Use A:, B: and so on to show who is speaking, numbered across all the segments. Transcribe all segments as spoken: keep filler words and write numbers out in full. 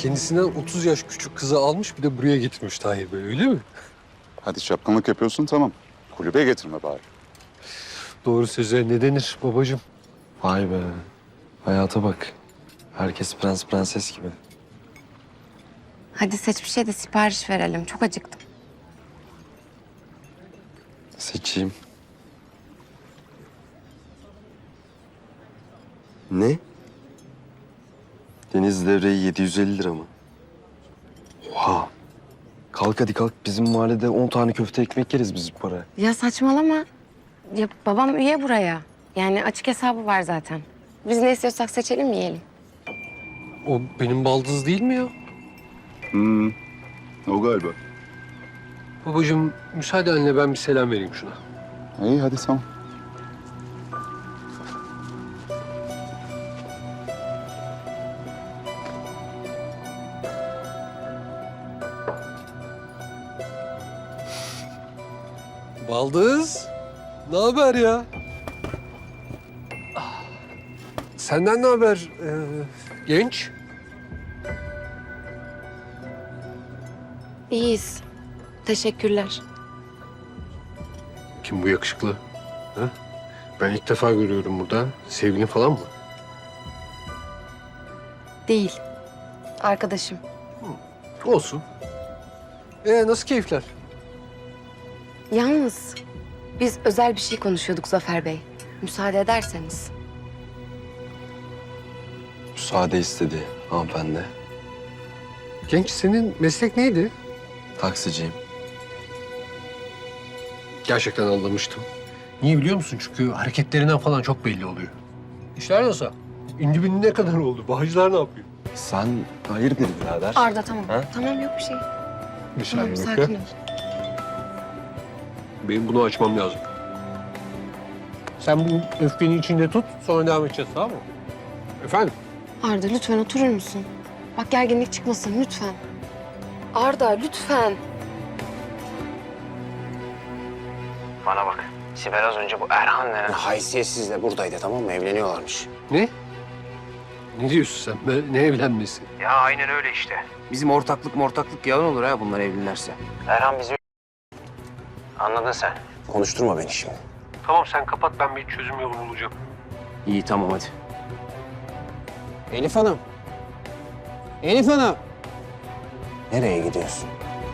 A: kendisinden otuz yaş küçük kızı almış bir de buraya getirmiş Tahir Bey, öyle mi?
B: Hadi çapkınlık yapıyorsun tamam. Kulübe getirme bari.
A: Doğru söze ne denir babacığım?
C: Vay be. Hayata bak. Herkes prens prenses gibi.
D: Hadi seç bir şey de sipariş verelim. Çok acıktım.
C: Seçeyim. Ne? Deniz levreği yedi yüz elli lira mı? Oha. Kalk hadi kalk. Bizim mahallede on tane köfte ekmek yeriz biz bu paraya.
D: Ya saçmalama. Ya babam üye buraya. Yani açık hesabı var zaten. Biz ne istiyorsak seçelim yiyelim.
A: O benim baldız değil mi ya?
B: Hmm, o galiba.
A: Babacığım müsaadenle ben bir selam vereyim şuna.
B: İyi hadi tamam.
A: Baldız, ne haber ya? Ah, senden ne haber ee, genç?
D: İyiyiz. Teşekkürler.
A: Kim bu yakışıklı? Ha? Ben ilk defa görüyorum burada. Sevgilin falan mı?
D: Değil. Arkadaşım.
A: Olsun. Ee, nasıl keyifler?
D: Yalnız biz özel bir şey konuşuyorduk Zafer Bey. Müsaade ederseniz.
C: Müsaade istedi hanımefendi.
A: Genç, senin meslek neydi?
C: Taksiciyim.
A: Gerçekten anlamıştım. Niye biliyor musun? Çünkü hareketlerinden falan çok belli oluyor. İşler nasıl? İndi bindi ne kadar oldu? Bağcılar ne yapıyor?
C: Sen hayırdır birader?
D: Arda tamam.
C: Ha?
D: Tamam yok bir şey.
A: Bir
D: Tamam
A: saniye
D: sakin
A: bekle.
D: ol.
A: Benim bunu açmam lazım. Sen bu öfkeni içinde tut, sonra devam edeceğiz, tamam mı? Efendim?
D: Arda lütfen oturur musun? Bak gerginlik çıkmasın lütfen. Arda lütfen.
E: Bana bak. Sibel az önce bu Erhan denen haysiyetsizle buradaydı, tamam mı? Evleniyorlarmış.
A: Ne? Ne diyorsun sen? be? Ne evlenmesi?
E: Ya aynen öyle işte. Bizim ortaklık mortaklık yalan olur ha bunlar evlenirse. Erhan bizi... Anladın sen. Konuşturma beni şimdi.
A: Tamam sen kapat, ben bir çözüm yolu bulacağım.
E: İyi tamam hadi. Elif Hanım. Elif Hanım. Nereye gidiyorsun?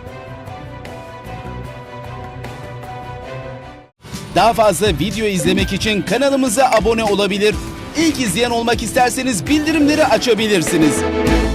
F: Daha fazla video izlemek için kanalımıza abone olabilir. İlk izleyen olmak isterseniz bildirimleri açabilirsiniz.